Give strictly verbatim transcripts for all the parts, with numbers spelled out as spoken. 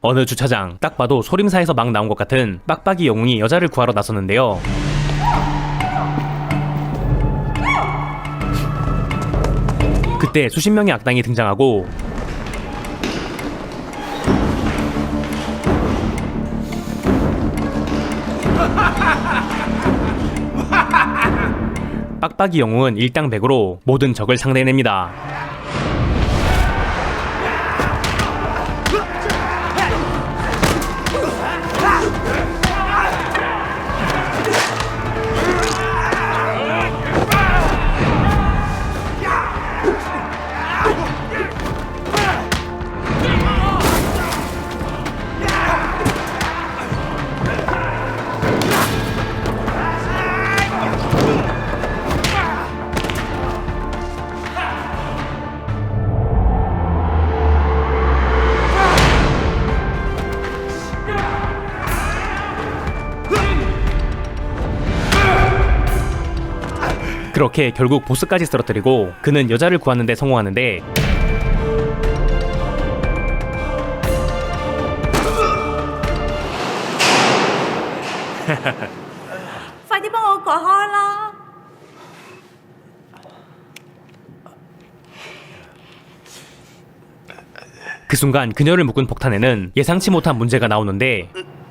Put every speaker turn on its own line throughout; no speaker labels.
어느 주차장, 딱 봐도 소림사에서 막 나온 것 같은 빡빡이 영웅이 여자를 구하러 나섰는데요. 그때 수십 명의 악당이 등장하고 빡빡이 영웅은 일당백으로 모든 적을 상대해냅니다. 그렇게 결국 보스까지 쓰러뜨리고 그는 여자를 구하는 데 성공하는데
Phải đi bằng của ho lo.
그 순간 그녀를 묶은 폭탄에는 예상치 못한 문제가 나오는데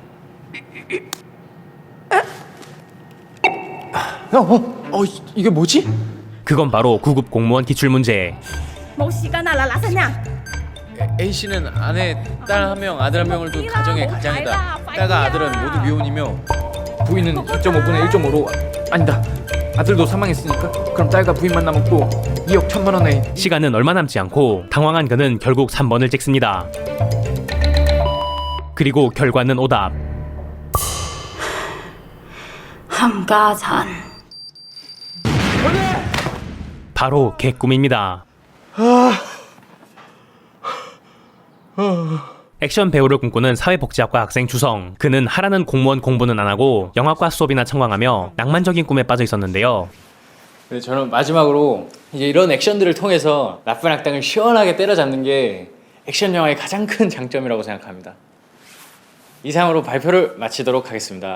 어, 어, 어, 이- 이게 뭐지?
그건 바로 구급 공무원 기출문제.
Một xí ca nào là lá xanh nha.
A 씨는 아내, 딸 한 명, 아들 한 명을 둔 가정의 가장이다. 딸과 아들은 모두 미혼이며 부인은 이 점 오분의 일 점 오로 아니다. 아들도 사망했으니까 그럼 딸과 부인만 남았고 이억 천만 원에
시간은 얼마 남지 않고 당황한 그는 결국 삼 번을 찍습니다. 그리고 결과는 오답.
함가잔.
바로 개꿈입니다. 액션 배우를 꿈꾸는 사회복지학과 학생 주성. 그는 하라는 공무원 공부는 안 하고 영화과 수업이나 청광하며 낭만적인 꿈에 빠져 있었는데요.
근데 저는 마지막으로 이제 이런 액션들을 통해서 나쁜 악당을 시원하게 때려잡는 게 액션 영화의 가장 큰 장점이라고 생각합니다. 이상으로 발표를 마치도록 하겠습니다.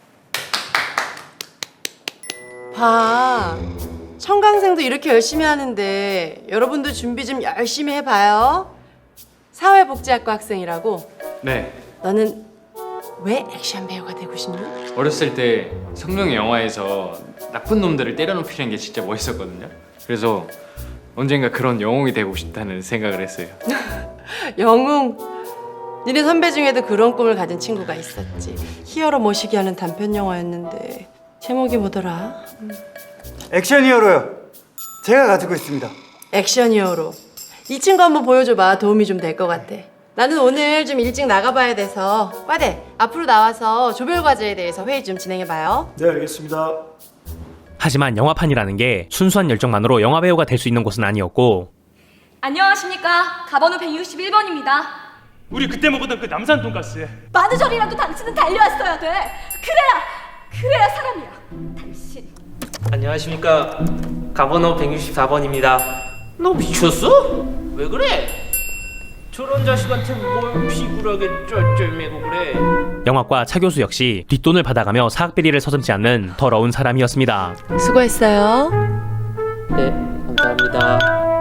봐. 청강생도 이렇게 열심히 하는데 여러분도 준비 좀 열심히 해봐요. 사회복지학과 학생이라고.
네,
너는 왜 액션 배우가 되고 싶니?
어렸을 때 성룡의 영화에서 나쁜 놈들을 때려눕히는 게 진짜 멋있었거든요. 그래서 언젠가 그런 영웅이 되고 싶다는 생각을 했어요.
영웅. 니네 선배 중에도 그런 꿈을 가진 친구가 있었지. 히어로 모시기 하는 단편 영화였는데 제목이 뭐더라?
액션 히어로요. 제가 가지고 있습니다.
액션 히어로. 이 친구 한번 보여줘봐. 도움이 좀 될 것 같아. 나는 오늘 좀 일찍 나가봐야 돼서 과대 앞으로 나와서 조별 과제에 대해서 회의 좀 진행해봐요.
네, 알겠습니다.
하지만 영화판이라는 게 순수한 열정만으로 영화배우가 될 수 있는 곳은 아니었고
안녕하십니까. 가번호 백육십일 번입니다.
우리 그때 먹었던 그 남산 돈가스.
마누절이라도 당신은 달려왔어야 돼. 그래야, 그래야 사람이야. 당신.
안녕하십니까. 가번호 백육십사 번입니다. 너 미쳤어? 왜 그래? 저런 자식한테 뭘 비굴하게 쩔쩔매고 그래?
영화과 차 교수 역시 뒷돈을 받아가며 사학비리를 서슴지 않는 더러운 사람이었습니다.
수고했어요.
네, 감사합니다.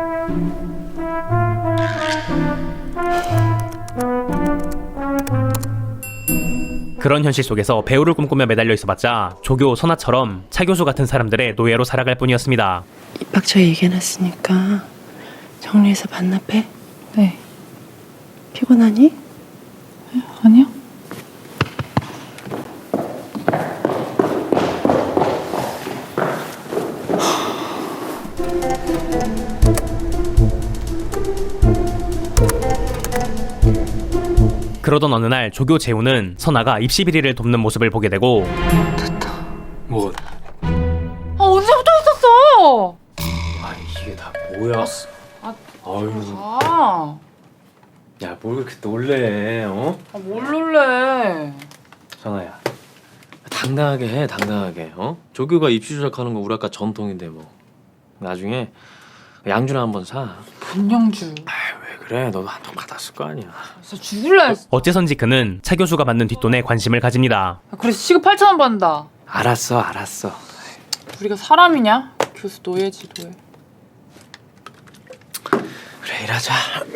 그런 현실 속에서 배우를 꿈꾸며 매달려 있어봤자 조교, 선아처럼 차 교수 같은 사람들의 노예로 살아갈 뿐이었습니다.
입학처 얘기해놨으니까 정리해서 반납해.
네.
피곤하니?
아니요.
그러던 어느 날 조교 재우는 선아가 입시 비리를 돕는 모습을 보게 되고
뭐?
아, 언제부터 했었어?
아 이게 다 뭐야?
아,
아유,
아,
야 뭘 그렇게 놀래? 어?
아, 뭘 놀래?
선아야, 당당하게 해, 당당하게. 어? 조교가 입시 조작하는 거 우리 학과 전통인데 뭐. 나중에 양주나 한번 사.
분영주.
아, 왜 그래? 그래 너도 한 통 받았을 거 아니야.
진짜 죽을래.
어째선지 그는 차 교수가 받는 뒷돈에 관심을 가집니다.
아, 그래서 시급 팔천 원 받는다.
알았어 알았어.
우리가 사람이냐? 교수 노예지 노예.
그래 일하자.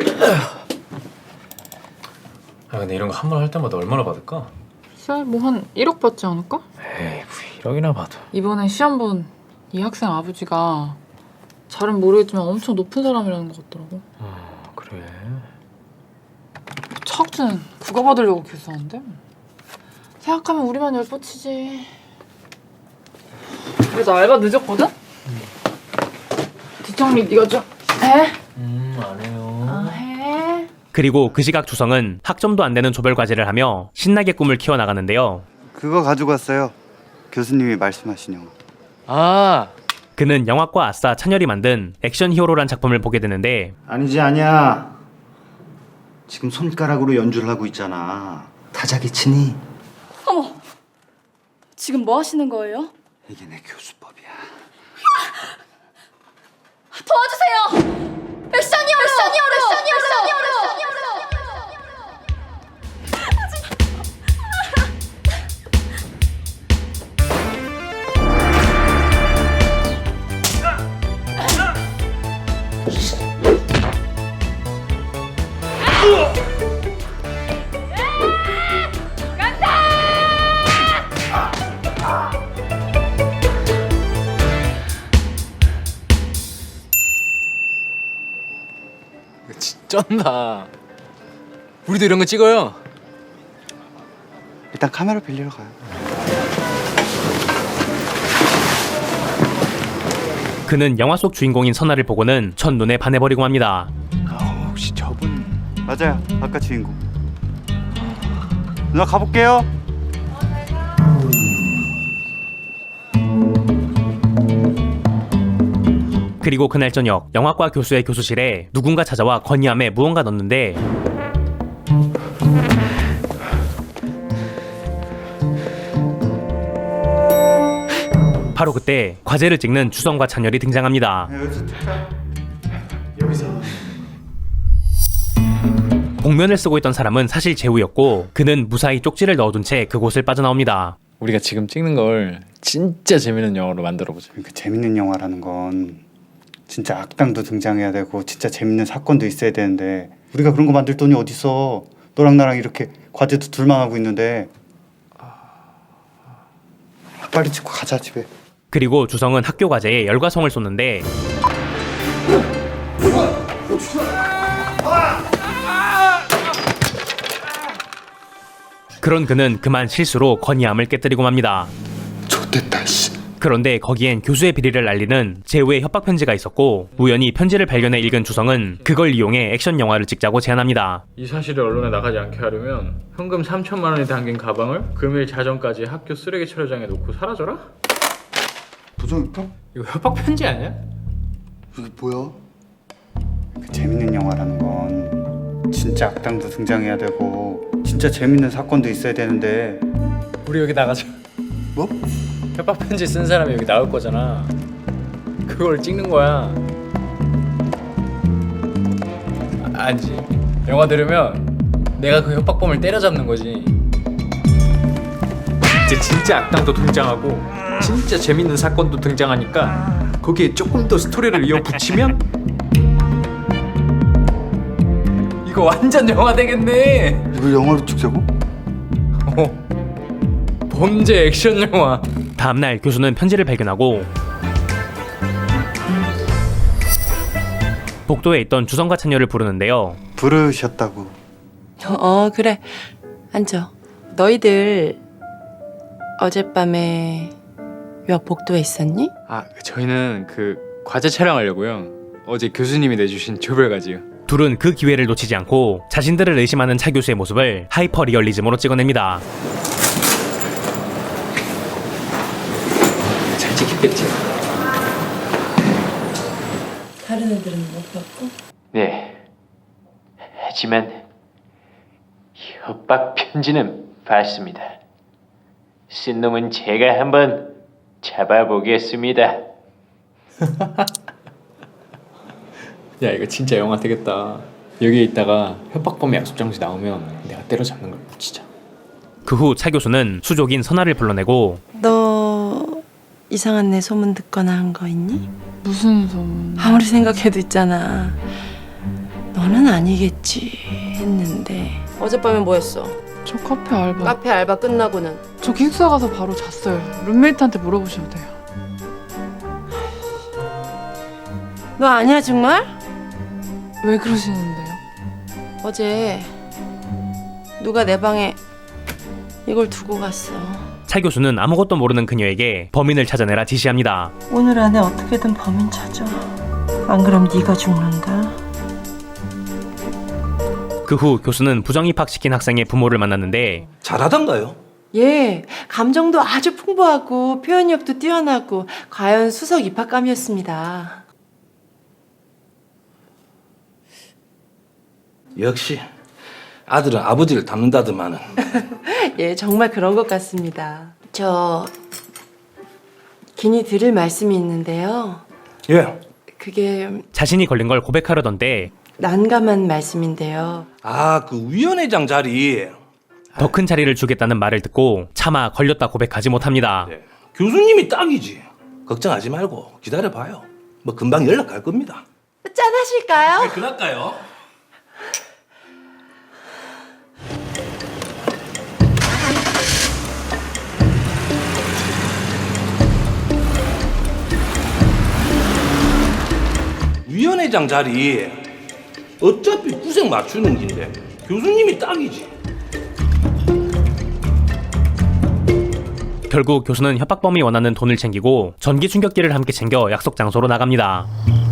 아 근데 이런 거 한 번 할 때마다 얼마나 받을까?
글쎄 뭐한 일억 받지 않을까?
에이 뭐 일억이나 받아.
이번에 시험 본 이 학생 아버지가 잘은 모르겠지만 엄청 높은 사람이라는 것 같더라고.
어 그래.
차학주는 그거 받으려고 교수한데? 생각하면 우리만 열뻗치지. 그래도 알바 늦었거든? 뒷정리 네가 좀 해?
음안 해요.
아 해?
그리고 그 시각 주성은 학점도 안 되는 조별 과제를 하며 신나게 꿈을 키워나가는데요.
그거 가지고 왔어요. 교수님이 말씀하신 영화.
아
그는 영화과 아싸 찬열이 만든 액션 히어로란 작품을 보게 되는데
아니지 아니야. 지금 손가락으로 연주를 하고 있잖아. 타자기 치니?
어머, 지금 뭐 하시는 거예요?
이게 내 교수법이야.
도와주세요! 액션이어로! 액션이어로! 액션이어로!
쩐다. 우리도 이런 거 찍어요.
일단 카메라 빌리러 가요.
그는 영화 속 주인공인 선아를 보고는 첫눈에 반해버리고 맙니다.
아, 혹시 저분? 맞아요. 아까 주인공. 누나 가볼게요.
그리고 그날 저녁 영화과 교수의 교수실에 누군가 찾아와 건의함에 무언가 넣는데 바로 그때 과제를 찍는 주성과 찬열이 등장합니다. 복면을 쓰고 있던 사람은 사실 재우였고 그는 무사히 쪽지를 넣어둔 채 그곳을 빠져나옵니다.
우리가 지금 찍는 걸 진짜 재밌는 영화로 만들어보자.
그러니까 재밌는 영화라는 건 진짜 악당도 등장해야 되고 진짜 재밌는 사건도 있어야 되는데 우리가 그런 거 만들 돈이 어딨어. 너랑 나랑 이렇게 과제도 둘만 하고 있는데. 빨리 찍고 가자 집에.
그리고 주성은 학교 과제에 열과성을 쏟는데 그런 그는 그만 실수로 건의함을 깨뜨리고 맙니다.
좋댔다 씨.
그런데 거기엔 교수의 비리를 알리는 제우의 협박 편지가 있었고 우연히 편지를 발견해 읽은 주성은 그걸 이용해 액션 영화를 찍자고 제안합니다.
이 사실을 언론에 나가지 않게 하려면 현금 삼천만 원이 담긴 가방을 금일 자정까지 학교 쓰레기 처리장에 놓고 사라져라?
도전일까?
이거 협박 편지 아니야?
이게 뭐야? 그 재밌는 영화라는 건 진짜 악당도 등장해야 되고 진짜 재밌는 사건도 있어야 되는데.
우리 여기 나가자.
뭐?
협박 편지 쓴 사람이 여기 나올 거잖아. 그걸 찍는 거야. 아, 아니지. 영화 들으면 내가 그 협박범을 때려잡는 거지. 이제 진짜 악당도 등장하고 진짜 재밌는 사건도 등장하니까 거기에 조금 더 스토리를 이어 붙이면 이거 완전 영화 되겠네.
이걸 영화로 찍자고?
어. 범죄 액션 영화.
다음날 교수는 편지를 발견하고 복도에 있던 주성과 찬열을 부르는데요.
부르셨다고.
어 그래 앉아. 너희들 어젯밤에 왜 복도에 있었니?
아 저희는 그 과제 촬영하려고요. 어제 교수님이 내주신 조별 과제요.
둘은 그 기회를 놓치지 않고 자신들을 의심하는 차 교수의 모습을 하이퍼 리얼리즘으로 찍어냅니다.
잘 찍혔겠지?
다른 애들은 못 봤고?
네. 하지만 협박 편지는 봤습니다. 쓴 놈은 제가 한번 잡아보겠습니다.
야 이거 진짜 영화 되겠다. 여기에 있다가 협박범의 약속 장소 나오면 내가 때려잡는 걸 진짜.
그 후 차 교수는 수족인 선아를 불러내고
너 이상한 내 소문 듣거나 한 거 있니?
무슨 소문?
아무리 생각해도 있잖아. 너는 아니겠지 했는데 어젯밤에 뭐 했어?
저 카페 알바.
카페 알바 끝나고는
저 기숙사 가서 바로 잤어요. 룸메이트한테 물어보셔도 돼요.
너 아니야 정말?
왜 그러시는데요?
어제 누가 내 방에 이걸 두고 갔어.
차 교수는 아무것도 모르는 그녀에게 범인을 찾아내라 지시합니다.
오늘 안에 어떻게든 범인 찾아. 안 그럼 네가 죽는다.
그 후 교수는 부정입학시킨 학생의 부모를 만났는데
잘하던가요?
예, 감정도 아주 풍부하고 표현력도 뛰어나고 과연 수석 입학감이었습니다.
역시 아들은 아버지를 닮는다더만은.
예, 정말 그런 것 같습니다. 저 긴히 드릴 말씀이 있는데요.
예.
그게
자신이 걸린 걸 고백하려던데
난감한 말씀인데요.
아, 그 위원회장 자리.
더 큰 자리를 주겠다는 말을 듣고 차마 걸렸다 고백하지 못합니다.
네. 교수님이 딱이지. 걱정하지 말고 기다려봐요. 뭐 금방 연락 갈 겁니다.
짠 하실까요?
그럴까요? 위원회장 자리 어차피 구색 맞추는 긴데 교수님이 딱이지.
결국 교수는 협박범이 원하는 돈을 챙기고 전기 충격기를 함께 챙겨 약속 장소로 나갑니다.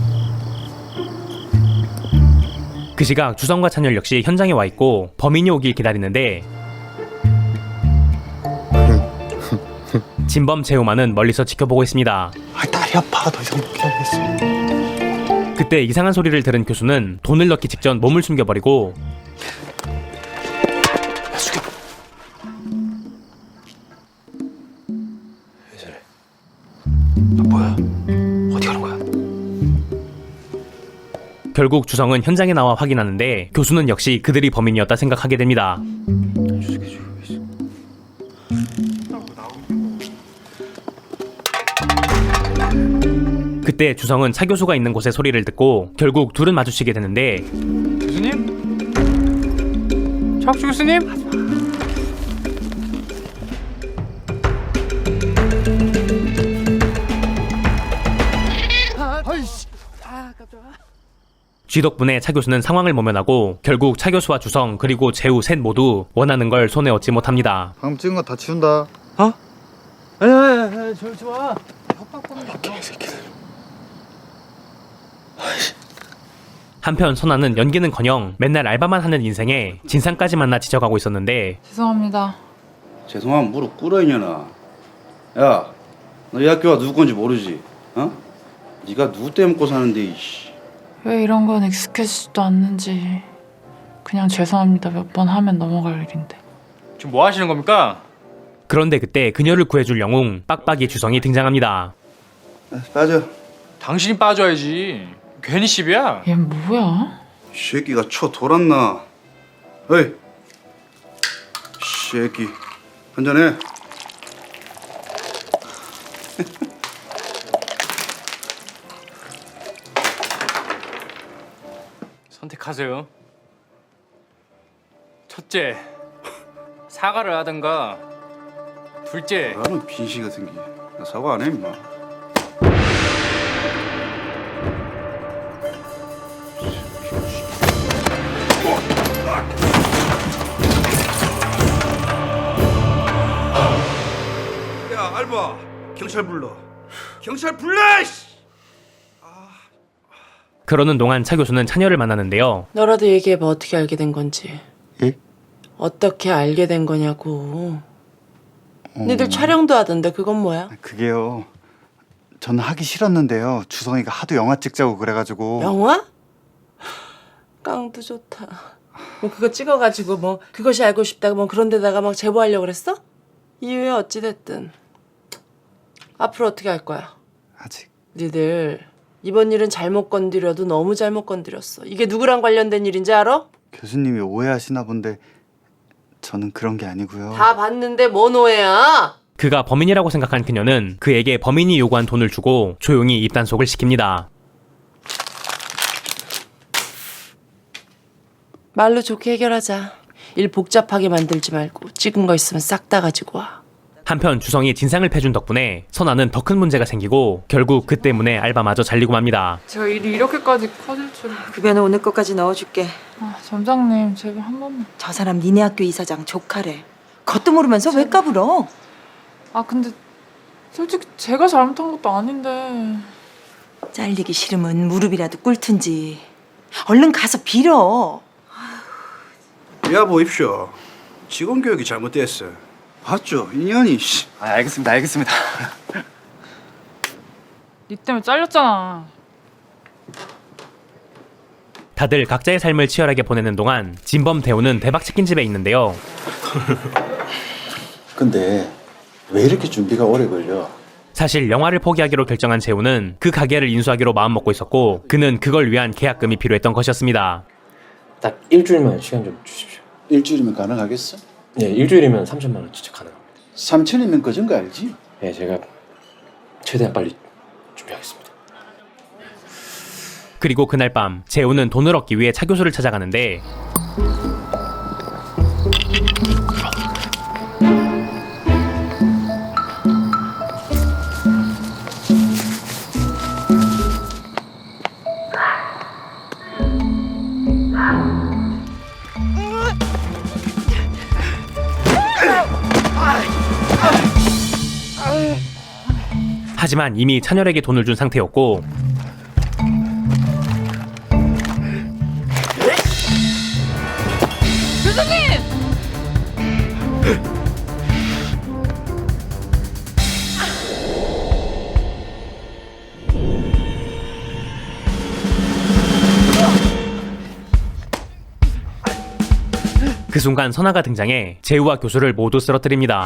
그 시각 주성과 찬열 역시 현장에 와 있고 범인이 오길 기다리는데 진범 재우만은 멀리서 지켜보고 있습니다.
아, 다리 아파. 더 이상 못 기다리겠어.
그때 이상한 소리를 들은 교수는 돈을 넣기 직전 몸을 숨겨버리고
왜 저래? 아, 뭐야? 어디 가는 거야?
결국 주성은 현장에 나와 확인하는데 교수는 역시 그들이 범인이었다 생각하게 됩니다. 그때 주성은 차 교수가 있는 곳의 소리를 듣고 결국 둘은 마주치게 되는데
교수님? 차학주 교수님?
쥐 덕분에 차 교수는 상황을 모면하고 결국 차 교수와 주성 그리고 재우 셋 모두 원하는 걸 손에 얻지 못합니다.
방금 찍은 거 다 치운다.
어? 에에에 저 좋아.
한편 선아는 연기는커녕 맨날 알바만 하는 인생에 진상까지 만나 지쳐가고 있었는데
죄송합니다.
죄송하면 무릎 꿇어 이년아. 야, 너 이 학교가 누구 건지 모르지? 어? 네가 누구 때문에 먹고 사는데 이씨.
왜 이런 건 익숙해지지도 않는지. 그냥 죄송합니다. 몇 번 하면 넘어갈 일인데.
지금 뭐 하시는 겁니까?
그런데 그때 그녀를 구해줄 영웅 빡빡이 주성이 등장합니다.
빠져.
당신이 빠져야지. 괜히 시비야.
얘 뭐야?
이 새끼가 쳐 돌았나? 어이, 새끼 한잔해.
선택하세요. 첫째, 사과를 하든가. 둘째,
나는 빈시가 생기. 나 사과 안 해 임마. 야 알바, 경찰 불러. 경찰 불러. 이씨.
그러는 동안 차 교수는 차녀를 만나는데요.
너라도 얘기해봐. 어떻게 알게 된 건지.
예?
어떻게 알게 된 거냐고.
어...
니들 촬영도 하던데 그건 뭐야?
그게요. 저는 하기 싫었는데요. 주성이가 하도 영화 찍자고 그래가지고.
영화? 깡도 좋다. 뭐 그거 찍어가지고 뭐 그것이 알고 싶다고 뭐 그런 데다가 막 제보하려고 그랬어? 이유에 어찌됐든 앞으로 어떻게 할 거야?
아직.
니들 이번 일은 잘못 건드려도 너무 잘못 건드렸어. 이게 누구랑 관련된 일인지 알아?
교수님이 오해하시나 본데 저는 그런 게 아니고요.
다 봤는데 뭔 오해야?
그가 범인이라고 생각한 그녀는 그에게 범인이 요구한 돈을 주고 조용히 입단속을 시킵니다.
말로 좋게 해결하자. 일 복잡하게 만들지 말고 찍은 거 있으면 싹 다 가지고 와.
한편 주성이 진상을 패준 덕분에 선아는 더 큰 문제가 생기고 결국 그 때문에 알바마저 잘리고 맙니다.
제가 일이 이렇게까지 커질 줄은.
급여는 오늘 것까지 넣어줄게.
아, 점장님 제발 한 번만.
저 사람 니네 학교 이사장 조카래. 겉도 모르면서 왜 까불어?
아 근데 솔직히 제가 잘못한 것도 아닌데.
잘리기 싫으면 무릎이라도 꿇든지. 얼른 가서 빌어.
야 보십시오. 직원 교육이 잘못됐어. 봤죠? 인연이. 씨.
아, 알겠습니다. 알겠습니다.
니 때문에 잘렸잖아.
다들 각자의 삶을 치열하게 보내는 동안 진범 대호는 대박 치킨집에 있는데요.
근데 왜 이렇게 준비가 오래 걸려?
사실 영화를 포기하기로 결정한 재호는 그 가게를 인수하기로 마음먹고 있었고 그는 그걸 위한 계약금이 필요했던 것이었습니다.
딱 일주일만 시간 좀 주십시오.
일주일이면 가능하겠어?
네, 일주일이면 삼천만 원 진짜 가능합니다.
삼천이면 그전 거 알지?
네, 제가 최대한 빨리 준비하겠습니다.
그리고 그날 밤 재호는 돈을 얻기 위해 차 교수를 찾아가는데 하지만 이미 찬열에게 돈을 준 상태였고 그 순간 선아가 등장해 재우와 교수를 모두 쓰러뜨립니다.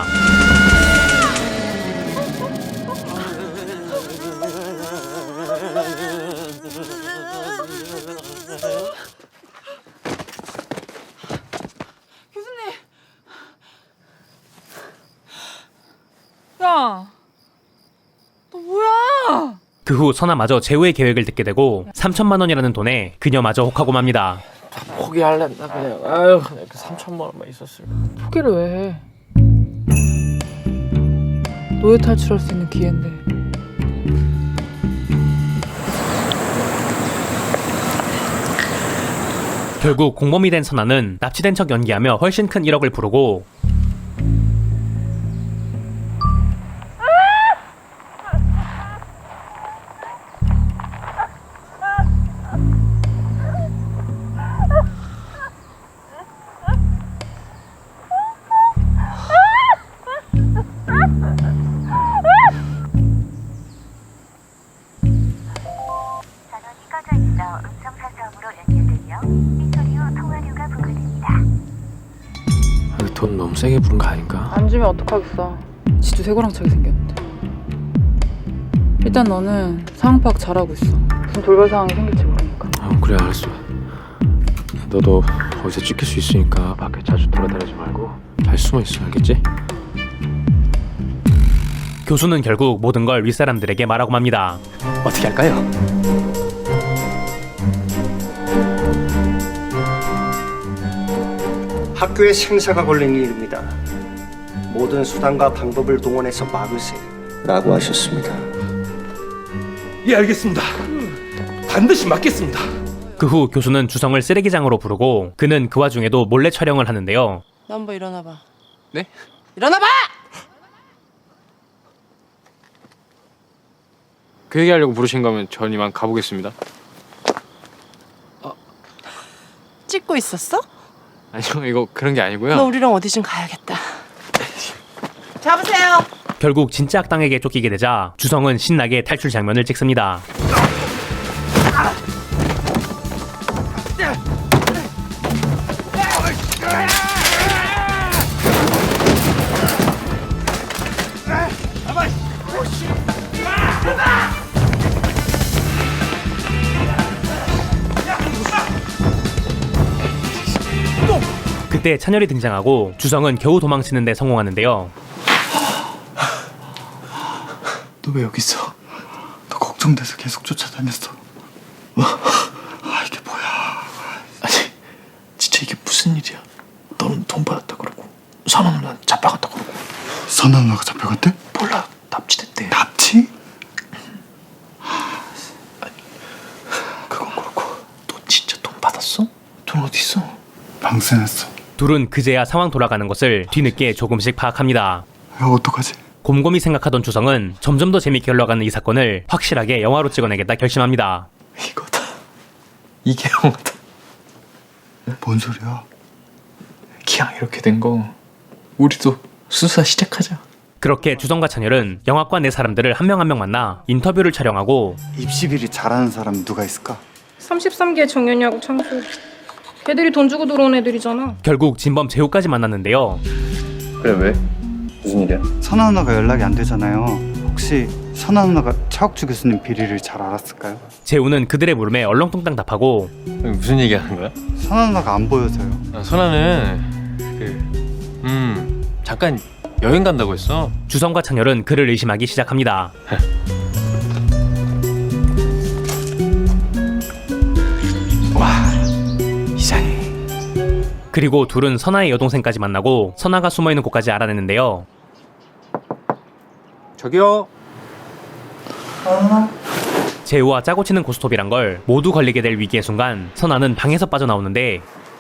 야, 너 뭐야?
그 후 선아마저 재우의 계획을 듣게 되고 삼천만 원이라는 돈에 그녀마저 혹하고 맙니다.
포기할랬나 그냥. 아유, 그냥 그 삼천만 원만 있었으면.
포기를 왜 해? 노예 탈출할 수 있는 기회인데.
결국 공범이 된 선아는 납치된 척 연기하며 훨씬 큰 일억을 부르고
돈 너무 세게 부른 거 아닌가?
안 주면 어떡하겠어. 지도 쇠고랑 차게 생겼는데. 일단 너는 상황 파악 잘하고 있어. 무슨 돌발 상황이 생길지 모르니까.
어, 그래 알았어. 너도 어디서 찍힐 수 있으니까 밖에 자주 돌아다니지 말고 잘 숨어 있어, 알겠지?
교수는 결국 모든 걸 윗사람들에게 말하고 맙니다.
어떻게 할까요?
학교에 생사가 걸린 일입니다. 모든 수단과 방법을 동원해서 막으세요. 라고 하셨습니다.
예, 알겠습니다. 반드시 막겠습니다.
그 후 교수는 주성을 쓰레기장으로 부르고 그는 그 와중에도 몰래 촬영을 하는데요.
너 한번 일어나봐.
네?
일어나봐!
그 얘기하려고 부르신 거면 전 이만 가보겠습니다.
찍고 있었어?
아니요, 이거 그런 게 아니고요.
너 우리랑 어디 좀 가야겠다. 잡으세요.
결국 진짜 악당에게 쫓기게 되자 주성은 신나게 탈출 장면을 찍습니다. 이때 찬열이 등장하고 주성은 겨우 도망치는 데 성공하는데요.
너 왜 여기 있어? 너 걱정돼서 계속 쫓아다녔어. 아 이게 뭐야?
아니 진짜 이게 무슨 일이야? 너는 돈 받았다 그러고 선아 누나는 잡혀갔다 그러고.
선아 누나가 잡혀갔대?
몰라 납치됐대.
납치?
아니 그건 그렇고 너 진짜 돈 받았어? 돈 어디 있어?
방생했어.
둘은 그제야 상황 돌아가는 것을 뒤늦게 조금씩 파악합니다.
야 어떡하지?
곰곰이 생각하던 주성은 점점 더 재밌게 흘러가는 이 사건을 확실하게 영화로 찍어내겠다 결심합니다.
이거다. 이게 영화다.
뭔 소리야?
기왕 이렇게 된 거 우리도 수사 시작하자.
그렇게 주성과 찬열은 영화과 내 사람들을 한 명 한 명 만나 인터뷰를 촬영하고
입시 비리 잘하는 사람 누가 있을까?
삼십삼 개 정연이하고 창수. 걔들이 돈 주고 들어온 애들이잖아.
결국 진범 재우까지 만났는데요.
그래 왜? 무슨 일이야?
선아 누나가 연락이 안 되잖아요. 혹시 선아 누나가 차옥주 교수님 비리를 잘 알았을까요?
재우는 그들의 물음에 얼렁뚱땅 답하고
무슨 얘기 하는 거야?
선아 누나가 안 보여서요.
아, 선아는 그 음 잠깐 여행 간다고 했어.
주성과 찬열은 그를 의심하기 시작합니다.
와 이상해.
그리고 둘은 선아의 여동생까지 만나고 선아가 숨어있는 곳까지 알아냈는데요.
저기요.
재우와 짜고 치는 고스톱이란 걸 모두 걸리게 될 위기의 순간 선아는 방에서 빠져나오는데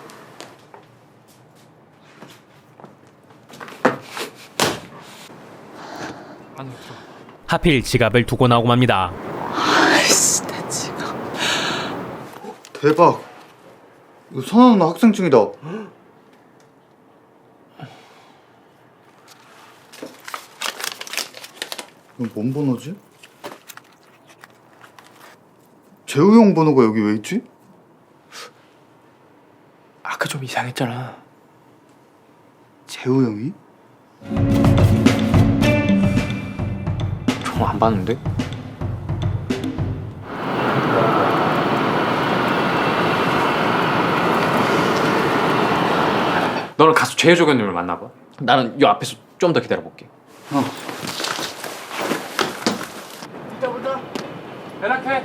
하필 지갑을 두고 나오고 맙니다.
아이씨, 내 지갑.
대박. 이거 선아 누나 학생증이다. 이건 뭔 번호지? 재우 형 번호가 여기 왜 있지?
아까 좀 이상했잖아.
재우 형이?
종 안 봤는데? 너는 가서 최혜조교님을 만나봐. 나는 요 앞에서 좀 더 기다려볼게.
어.
이따 보자. 연락해.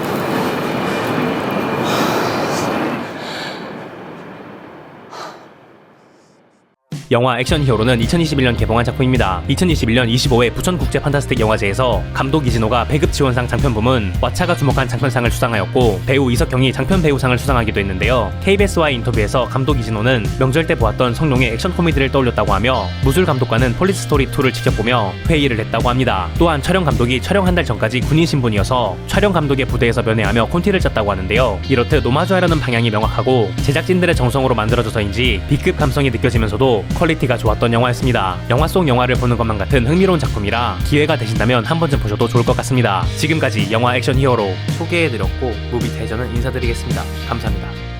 영화 액션 히어로는 이천이십일 년 개봉한 작품입니다. 이천이십일 년 이십오 회 부천 국제 판타스틱 영화제에서 감독 이진호가 배급 지원상 장편 부문, 왓챠가 주목한 장편상을 수상하였고 배우 이석경이 장편 배우상을 수상하기도 했는데요. 케이비에스와의 인터뷰에서 감독 이진호는 명절 때 보았던 성룡의 액션 코미디를 떠올렸다고 하며 무술 감독과는 폴리스 스토리 투를 직접 보며 회의를 했다고 합니다. 또한 촬영 감독이 촬영 한 달 전까지 군인 신분이어서 촬영 감독의 부대에서 면회하며 콘티를 짰다고 하는데요. 이렇듯 노마주하려는 방향이 명확하고 제작진들의 정성으로 만들어져서인지 B급 감성이 느껴지면서도 퀄리티가 좋았던 영화였습니다. 영화 속 영화를 보는 것만 같은 흥미로운 작품이라 기회가 되신다면 한 번쯤 보셔도 좋을 것 같습니다. 지금까지 영화 액션 히어로 소개해드렸고 무비 대전은 인사드리겠습니다. 감사합니다.